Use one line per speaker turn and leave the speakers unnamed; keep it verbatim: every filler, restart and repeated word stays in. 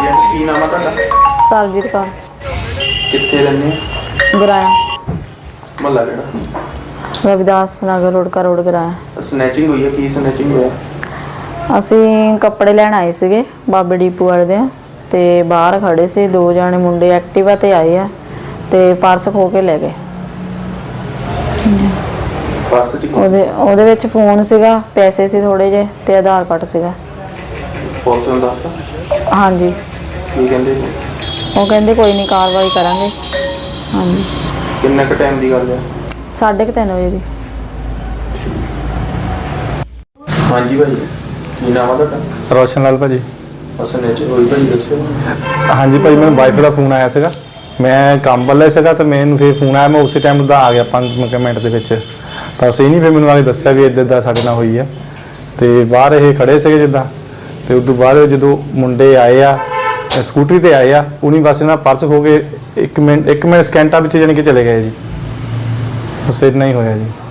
ਹਾਂਜੀ ਕੀ ਨਾਮ ਆ ਤੁਹਾਡਾ?
ਸਰਬਜੀਤ ਕੌਰ।
ਕਿੱਥੇ ਰਹਿੰਦੇ ਹੋ?
ਗਰਾਇਆ
ਮਹੱਲਾ ਕਿਹੜਾ?
ਰਵਿਦਾਸ ਨਗਰ ਰੋਡ ਕਾ ਰੋਡ ਗਰਾਇਆ।
ਸਨੈਚਿੰਗ ਹੋਈ ਹੈ? ਕੀ ਸਨੈਚਿੰਗ ਹੋਇਆ?
ਅਸੀਂ ਕੱਪੜੇ ਲੈਣ ਆਏ ਸੀਗੇ ਬਾਬੇ ਡੀਪੂ ਵਾਲੇ ਦੇ, ਤੇ ਬਾਹਰ ਖੜੇ ਸੀ ਦੋ ਜਾਣੇ ਮੁੰਡੇ ਐਕਟਿਵਾ ਤੇ ਆਏ ਆ ਤੇ ਪਰਸ ਖੋ ਕੇ ਲੈ ਗਏ।
ਪਰਸ ਚ ਕੀ?
ਉਹਦੇ ਉਹਦੇ ਵਿੱਚ ਫੋਨ ਸੀਗਾ, ਪੈਸੇ ਸੀ ਥੋੜੇ ਜਿਹੇ ਤੇ ਆਧਾਰ ਕਾਰਡ ਸੀਗਾ।
ਪੁਲਿਸ ਨੂੰ ਦੱਸਤਾ?
ਹਾਂਜੀ।
ਕੀ ਕਹਿੰਦੇ?
ਉਹ ਕਹਿੰਦੇ ਕੋਈ ਨਹੀਂ ਕਾਰਵਾਈ ਕਰਾਂਗੇ। ਹਾਂਜੀ।
ਕਿੰਨੇ ਕੁ ਟਾਈਮ ਦੀ ਗੱਲ ਹੈ?
ਸਾਢੇ ਕੁ ਤਿੰਨ ਵਜੇ ਦੀ।
ਹਾਂਜੀ ਭਾਜੀ ਕੀ ਨਾਮ ਆ ਤੁਹਾਡਾ?
ਰੋਸ਼ਨ ਲਾਲ ਭਾਜੀ।
ਸਨੈਚਿੰਗ ਹੋਈ ਭਾਜੀ ਦੱਸਿਓ।
ਹਾਂਜੀ ਭਾਜੀ ਮੈਨੂੰ ਵਾਈਫ ਦਾ ਫੋਨ ਆਇਆ ਸੀਗਾ, ਮੈਂ ਕੰਮ ਵੱਲੇ ਸੀਗਾ ਤੇ ਮੈਨੂੰ ਫਿਰ ਫੋਨ ਆਇਆ, ਮੈਂ ਉਸੇ ਟਾਈਮ ਦਾ ਆ ਗਿਆ ਪੰਜ ਮਿੰਟ ਦੇ ਵਿੱਚ। ਤਾਂ ਅਸੀਂ ਨਹੀਂ ਫਿਰ ਮੈਨੂੰ ਆ ਕੇ ਦੱਸਿਆ ਵੀ ਇੱਦਾਂ ਇੱਦਾਂ ਸਾਡੇ ਨਾਲ ਹੋਈ ਆ, ਤੇ ਬਾਹਰ ਇਹ ਖੜੇ ਸੀਗੇ ਜਿੱਦਾਂ, ਤੇ ਉਸ ਤੋਂ ਬਾਅਦ ਜਦੋਂ ਮੁੰਡੇ ਆਏ ਆ ਸਕੂਟਰੀ ਤੇ ਆਏ ਆ, ਉਹਨੀ ਬਸ ਇਹਨਾਂ ਪਰਸ ਖੋ ਕੇ ਇੱਕ ਮਿੰਟ ਇੱਕ ਮਿੰਟ ਸਕਿੰਟਾਂ ਵਿੱਚ ਜਾਣੀ ਕਿ ਚਲੇ ਗਏ ਜੀ। ਬਸ ਇੰਨਾ ਹੀ ਹੋਇਆ ਜੀ।